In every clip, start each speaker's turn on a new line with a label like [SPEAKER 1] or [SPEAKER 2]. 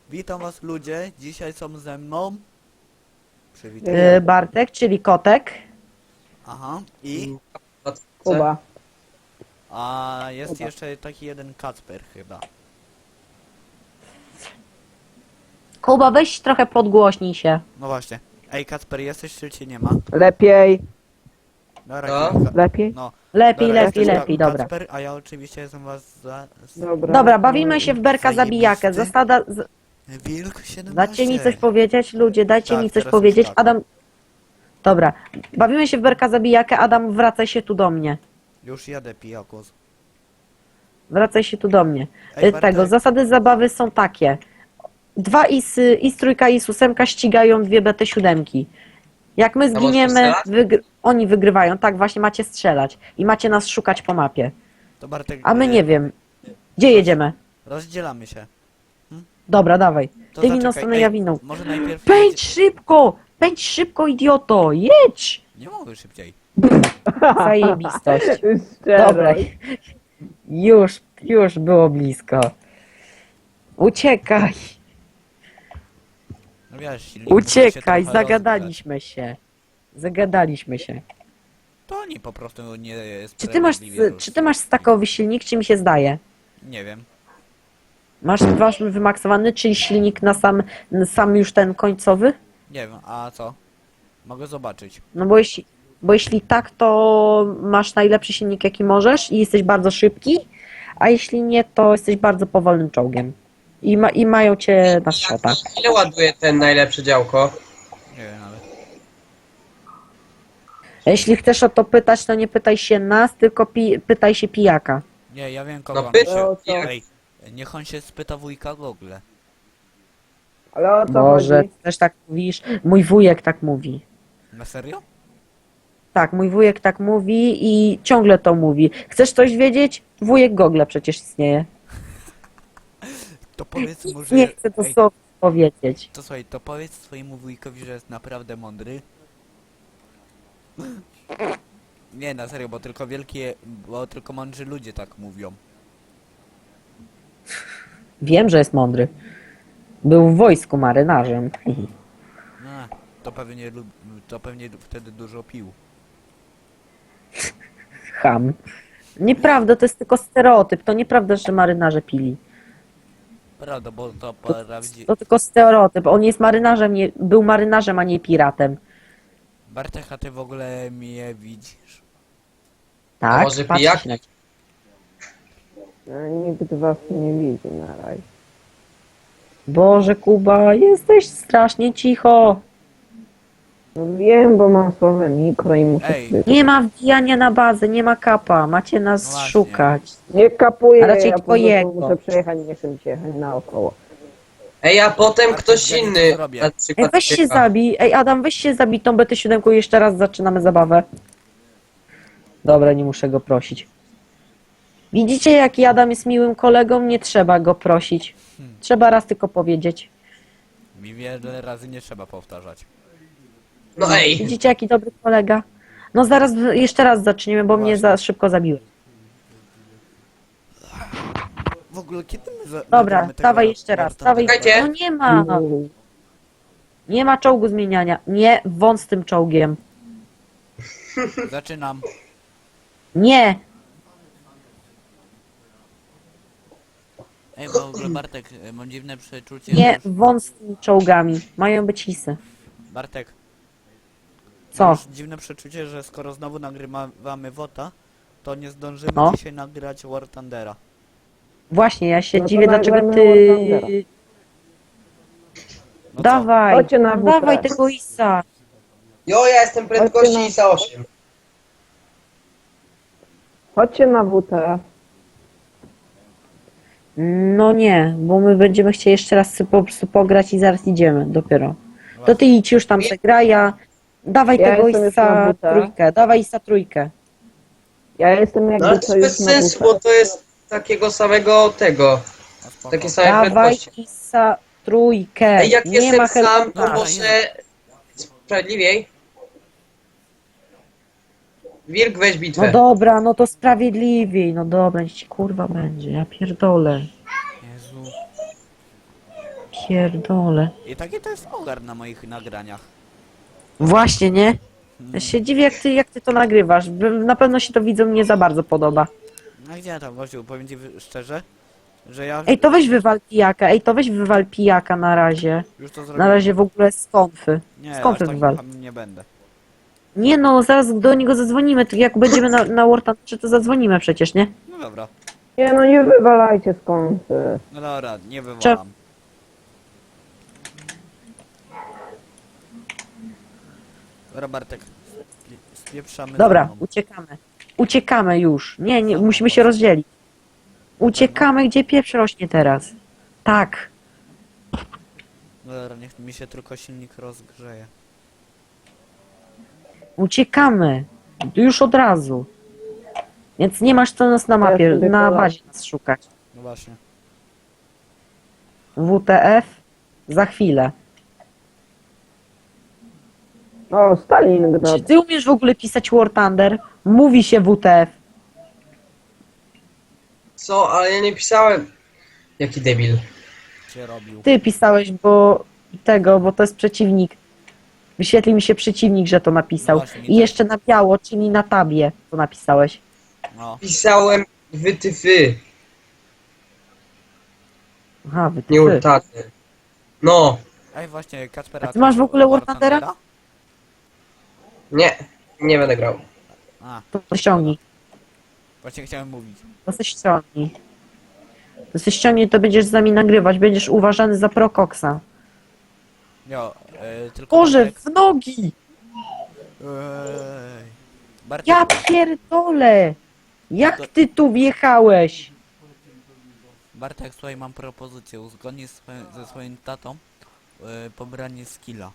[SPEAKER 1] Witam was ludzie, dzisiaj są ze mną. Przywitaj.
[SPEAKER 2] Bartek, czyli kotek.
[SPEAKER 1] Aha, i?
[SPEAKER 3] Kuba.
[SPEAKER 1] A jest jeszcze taki jeden Kacper chyba.
[SPEAKER 2] Kuba, weź trochę podgłośnij się.
[SPEAKER 1] No właśnie. Ej Kacper, jesteś czy cię nie ma?
[SPEAKER 3] Lepiej.
[SPEAKER 1] Dobra,
[SPEAKER 4] Co?
[SPEAKER 1] kilka.
[SPEAKER 3] Lepiej?
[SPEAKER 1] No,
[SPEAKER 2] Lepiej,
[SPEAKER 1] dobra,
[SPEAKER 2] lepiej,
[SPEAKER 1] jesteś
[SPEAKER 2] lepiej, dobra.
[SPEAKER 1] Kacper, a ja oczywiście jestem was za...
[SPEAKER 3] Dobra.
[SPEAKER 2] Dobra, bawimy się w berka
[SPEAKER 1] Zajebisty.
[SPEAKER 2] zabijakę. Zasada...
[SPEAKER 1] Wilk 17.
[SPEAKER 2] Dajcie mi coś powiedzieć, ludzie, dajcie
[SPEAKER 1] Tak,
[SPEAKER 2] mi coś
[SPEAKER 1] teraz
[SPEAKER 2] powiedzieć.
[SPEAKER 1] już tak.
[SPEAKER 2] Adam... Dobra, bawimy się w berka zabijakę. Adam, wracaj się tu do mnie.
[SPEAKER 1] Już jadę pijakus.
[SPEAKER 2] Wracaj się tu do mnie.
[SPEAKER 1] Ej, Bartek.
[SPEAKER 2] Tego, zasady zabawy są takie. Dwa IS trójka i IS-8 ścigają dwie BT7. Jak my
[SPEAKER 4] możesz
[SPEAKER 2] zginiemy,
[SPEAKER 4] strzelać?
[SPEAKER 2] oni wygrywają. Tak, właśnie macie strzelać. I macie nas szukać po mapie.
[SPEAKER 1] To Bartek...
[SPEAKER 2] A my nie wiem. Gdzie jedziemy?
[SPEAKER 1] Rozdzielamy się.
[SPEAKER 2] Dobra, dawaj.
[SPEAKER 1] To
[SPEAKER 2] Ty winą
[SPEAKER 1] zaczekaj,
[SPEAKER 2] stronę,
[SPEAKER 1] ej,
[SPEAKER 2] ja winą.
[SPEAKER 1] Może najpierw...
[SPEAKER 2] Pędź szybko! Pędź szybko, idioto! Jedź!
[SPEAKER 1] Nie mogę szybciej.
[SPEAKER 2] Zajebistość.
[SPEAKER 3] Szczerość.
[SPEAKER 2] Dobra. Już było blisko. Uciekaj!
[SPEAKER 1] No wiesz, silnik musi się
[SPEAKER 2] Uciekaj!
[SPEAKER 1] trochę
[SPEAKER 2] Zagadaliśmy się. Zagadaliśmy się.
[SPEAKER 1] rozgrzać. To oni po prostu nie jest
[SPEAKER 2] Czy ty masz stakowy silnik, czy mi się zdaje?
[SPEAKER 1] Nie wiem.
[SPEAKER 2] Masz wymaksowany, czyli silnik na sam już ten końcowy?
[SPEAKER 1] Nie wiem, a co? Mogę zobaczyć.
[SPEAKER 2] No bo jeśli tak, to masz najlepszy silnik jaki możesz i jesteś bardzo szybki, a jeśli nie, to jesteś bardzo powolnym czołgiem. I mają cię na szota.
[SPEAKER 4] Ile ładuje ten najlepsze działko?
[SPEAKER 1] Nie wiem nawet.
[SPEAKER 2] Jeśli chcesz o to pytać, to nie pytaj się nas, tylko pytaj się pijaka.
[SPEAKER 1] Nie, ja wiem kogo
[SPEAKER 4] No
[SPEAKER 1] on
[SPEAKER 4] pyta,
[SPEAKER 1] się...
[SPEAKER 3] co?
[SPEAKER 1] Ej, niech on się spyta wujka Google.
[SPEAKER 3] Ale o co
[SPEAKER 2] Może
[SPEAKER 3] chodzi?
[SPEAKER 2] też tak mówisz? Mój wujek tak mówi.
[SPEAKER 1] Na serio?
[SPEAKER 2] Tak, mój wujek tak mówi i ciągle to mówi. Chcesz coś wiedzieć? Wujek Google przecież istnieje.
[SPEAKER 1] To powiedz mu, że...
[SPEAKER 2] Nie chcę to
[SPEAKER 1] Ej,
[SPEAKER 2] sobie powiedzieć.
[SPEAKER 1] to słuchaj, to powiedz swojemu wujkowi, że jest naprawdę mądry. Nie, na serio, bo tylko mądrzy ludzie tak mówią.
[SPEAKER 2] Wiem, że jest mądry. Był w wojsku marynarzem.
[SPEAKER 1] No, to pewnie wtedy dużo pił.
[SPEAKER 2] Ham. Nieprawda, to jest tylko stereotyp. To nieprawda, że marynarze pili.
[SPEAKER 1] Prawda, bo to prawdziwe.
[SPEAKER 2] To tylko stereotyp. On jest marynarzem, był marynarzem, a nie piratem.
[SPEAKER 1] Bartek, a ty w ogóle mnie widzisz?
[SPEAKER 2] Tak,
[SPEAKER 4] może
[SPEAKER 2] patrzę
[SPEAKER 4] pijak?
[SPEAKER 2] się na ciebie.
[SPEAKER 3] Nikt was nie widzi na razie.
[SPEAKER 2] Boże, Kuba, jesteś strasznie cicho.
[SPEAKER 3] No wiem, bo mam słabe mikro i muszę...
[SPEAKER 1] Ej.
[SPEAKER 2] Nie ma wbijania na bazę, nie ma kapa. Macie nas
[SPEAKER 1] No właśnie.
[SPEAKER 2] szukać.
[SPEAKER 3] Nie kapuję,
[SPEAKER 2] A raczej
[SPEAKER 3] ja po prostu
[SPEAKER 2] twojego.
[SPEAKER 3] muszę przejechać, nie szybciej jechać naokoło.
[SPEAKER 4] Ej, a potem
[SPEAKER 1] A
[SPEAKER 4] ktoś
[SPEAKER 1] ja nie
[SPEAKER 4] inny.
[SPEAKER 1] to zrobię.
[SPEAKER 4] Na
[SPEAKER 2] Ej,
[SPEAKER 4] przykład
[SPEAKER 2] weź się
[SPEAKER 4] Cieka.
[SPEAKER 2] zabij. Ej, Adam, weź się zabij tą BT7 i jeszcze raz zaczynamy zabawę. Dobra, nie muszę go prosić. Widzicie, jaki Adam jest miłym kolegą? Nie trzeba go prosić. Trzeba raz tylko powiedzieć.
[SPEAKER 1] Mi wiele razy nie trzeba powtarzać.
[SPEAKER 4] No ej,
[SPEAKER 2] Widzicie, jaki dobry kolega? No zaraz jeszcze raz zaczniemy, bo mnie za szybko zabiły.
[SPEAKER 1] W ogóle kiedy my
[SPEAKER 2] Dobra,
[SPEAKER 1] nagramy tego
[SPEAKER 2] dawaj jeszcze raz. Dawaj.
[SPEAKER 4] Czekajcie.
[SPEAKER 2] No nie ma. Nie ma czołgu zmieniania. Nie, wąt z tym czołgiem.
[SPEAKER 1] Zaczynam.
[SPEAKER 2] Nie.
[SPEAKER 1] Ej, w ogóle Bartek, mam dziwne przeczucie,
[SPEAKER 2] Nie,
[SPEAKER 1] że już...
[SPEAKER 2] wąt z tymi czołgami. Mają być hisy.
[SPEAKER 1] Bartek,
[SPEAKER 2] Co?
[SPEAKER 1] mam już dziwne przeczucie, że skoro znowu nagrywamy WOTA, to nie zdążymy
[SPEAKER 2] No.
[SPEAKER 1] dzisiaj nagrać War Thundera.
[SPEAKER 2] Właśnie, ja się
[SPEAKER 3] No to
[SPEAKER 2] dziwię, dlaczego
[SPEAKER 3] nagramy
[SPEAKER 2] ty...
[SPEAKER 3] War Thundera.
[SPEAKER 1] No co?
[SPEAKER 2] Dawaj,
[SPEAKER 3] Chodźcie na
[SPEAKER 2] dawaj
[SPEAKER 3] WP.
[SPEAKER 2] tego isa.
[SPEAKER 4] jo, ja jestem prędkości ISA 8.
[SPEAKER 3] Chodźcie na WTF.
[SPEAKER 2] No nie, bo my będziemy chcieli jeszcze raz po prostu pograć i zaraz idziemy dopiero. To ty idź już tam se graj, ja... Dawaj
[SPEAKER 3] Ja
[SPEAKER 2] tego
[SPEAKER 3] jestem już na
[SPEAKER 2] isa
[SPEAKER 3] buta.
[SPEAKER 2] trójkę, dawaj isa trójkę.
[SPEAKER 3] Ja jestem
[SPEAKER 4] No
[SPEAKER 3] jakby
[SPEAKER 4] ale
[SPEAKER 3] co
[SPEAKER 4] to
[SPEAKER 3] już
[SPEAKER 4] bez
[SPEAKER 3] na
[SPEAKER 4] sensu,
[SPEAKER 3] WTF.
[SPEAKER 4] bo to jest takiego samego tego.
[SPEAKER 1] No spoko.
[SPEAKER 4] Takie same
[SPEAKER 2] Dawaj
[SPEAKER 4] prędkości.
[SPEAKER 2] isa trójkę.
[SPEAKER 4] Ej, jak
[SPEAKER 2] Nie
[SPEAKER 4] jestem
[SPEAKER 2] ma
[SPEAKER 4] sam,
[SPEAKER 2] helikoptera.
[SPEAKER 4] to może sprawiedliwiej. Wilk, weź
[SPEAKER 2] No
[SPEAKER 4] bitwę.
[SPEAKER 2] dobra, no to sprawiedliwiej, no dobra, niech ci kurwa będzie, ja pierdolę.
[SPEAKER 1] Jezu.
[SPEAKER 2] pierdolę.
[SPEAKER 1] I taki to jest ogar na moich nagraniach.
[SPEAKER 2] Właśnie, nie?
[SPEAKER 1] Hmm.
[SPEAKER 2] Ja się dziwię, jak ty to nagrywasz. Na pewno się to widzom nie za bardzo podoba.
[SPEAKER 1] No gdzie tam, gościu, powiem ci szczerze, że ja
[SPEAKER 2] Ej, to weź wywal pijaka, na razie.
[SPEAKER 1] już to
[SPEAKER 2] Na
[SPEAKER 1] zrobiłem.
[SPEAKER 2] razie w ogóle z konfy.
[SPEAKER 1] Nie,
[SPEAKER 2] z
[SPEAKER 1] aż
[SPEAKER 2] konfy
[SPEAKER 1] takim
[SPEAKER 2] wywal.
[SPEAKER 1] hamem nie będę.
[SPEAKER 2] Nie no, zaraz do niego zadzwonimy. To jak będziemy na War Thunderze, to zadzwonimy przecież, nie?
[SPEAKER 1] No dobra,
[SPEAKER 3] Nie no, nie wywalajcie skąd.
[SPEAKER 1] no dobra, nie wywalam. Dobra, Bartek, spieprzamy
[SPEAKER 2] Dobra,
[SPEAKER 1] za mną.
[SPEAKER 2] uciekamy. Uciekamy już. Nie, musimy się rozdzielić. Uciekamy, gdzie pieprz rośnie teraz. Tak.
[SPEAKER 1] Dobra, niech mi się tylko silnik rozgrzeje.
[SPEAKER 2] Uciekamy. Już od razu. Więc nie masz co nas na mapie,
[SPEAKER 3] Ja sobie
[SPEAKER 2] na
[SPEAKER 3] podam.
[SPEAKER 2] bazie nas szukać.
[SPEAKER 1] No właśnie.
[SPEAKER 2] WTF? Za chwilę.
[SPEAKER 3] O, Stalingrad.
[SPEAKER 2] Czy ty umiesz w ogóle pisać War Thunder? Mówi się WTF.
[SPEAKER 4] Co? Ale ja nie pisałem. Jaki debil.
[SPEAKER 1] Cię robił.
[SPEAKER 2] Ty pisałeś, bo to jest przeciwnik. Wyświetli mi się przeciwnik, że to napisał.
[SPEAKER 1] No właśnie, mi
[SPEAKER 2] I
[SPEAKER 1] też.
[SPEAKER 2] jeszcze na biało, czyli na tabie to napisałeś.
[SPEAKER 1] No,
[SPEAKER 4] Pisałem wytyfy,
[SPEAKER 2] Aha, wy
[SPEAKER 4] nie urtaty. No,
[SPEAKER 1] ej właśnie, Kacper,
[SPEAKER 2] A ty masz w ogóle War Thundera?
[SPEAKER 4] nie. Nie będę grał.
[SPEAKER 1] A,
[SPEAKER 2] To ściągnij.
[SPEAKER 1] właśnie chciałem mówić.
[SPEAKER 2] To se ściągnij. To se ściągnij, to będziesz z nami nagrywać. Będziesz uważany za prokoksa.
[SPEAKER 1] Jo, tylko
[SPEAKER 2] Boże,
[SPEAKER 1] Bartek...
[SPEAKER 2] w nogi!
[SPEAKER 1] Ej. Bartek,
[SPEAKER 2] Ja pierdolę! Jak ty tu wjechałeś?
[SPEAKER 1] Bartek, słuchaj, mam propozycję. Uzgodnij ze swoim tatą pobranie skilla.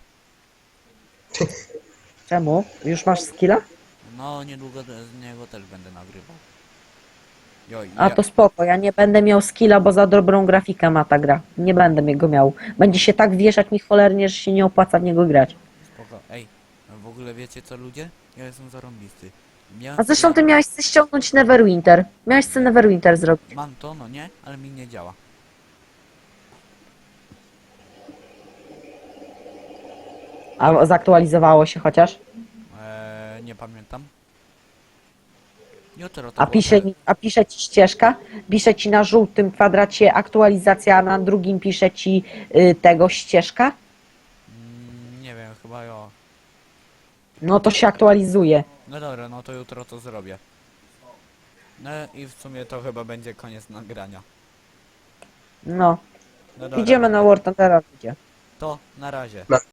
[SPEAKER 2] Czemu? Już masz skilla?
[SPEAKER 1] No, niedługo z niego też będę nagrywał. Jo,
[SPEAKER 2] A to spoko, ja nie będę miał skilla, bo za dobrą grafikę ma ta gra. Nie będę go miał. Będzie się tak wieszać mi cholernie, że się nie opłaca w niego grać.
[SPEAKER 1] Spoko. Ej, w ogóle wiecie co, ludzie? Ja jestem zarąbisty.
[SPEAKER 2] A zresztą ty miałeś chcę ściągnąć Neverwinter. Miałeś chcę Neverwinter zrobić.
[SPEAKER 1] Mam to, no nie, ale mi nie działa.
[SPEAKER 2] A zaktualizowało się chociaż?
[SPEAKER 1] Nie pamiętam. Jutro to
[SPEAKER 2] A
[SPEAKER 1] było tak.
[SPEAKER 2] pisze ci ścieżka? Pisze ci na żółtym kwadracie aktualizacja, a na drugim pisze ci tego ścieżka?
[SPEAKER 1] Nie wiem, chyba jo.
[SPEAKER 2] No to się aktualizuje.
[SPEAKER 1] No dobra, no to jutro to zrobię. No i w sumie to chyba będzie koniec nagrania.
[SPEAKER 2] No.
[SPEAKER 1] No dobra,
[SPEAKER 2] Idziemy na War Thundera.
[SPEAKER 1] to na razie.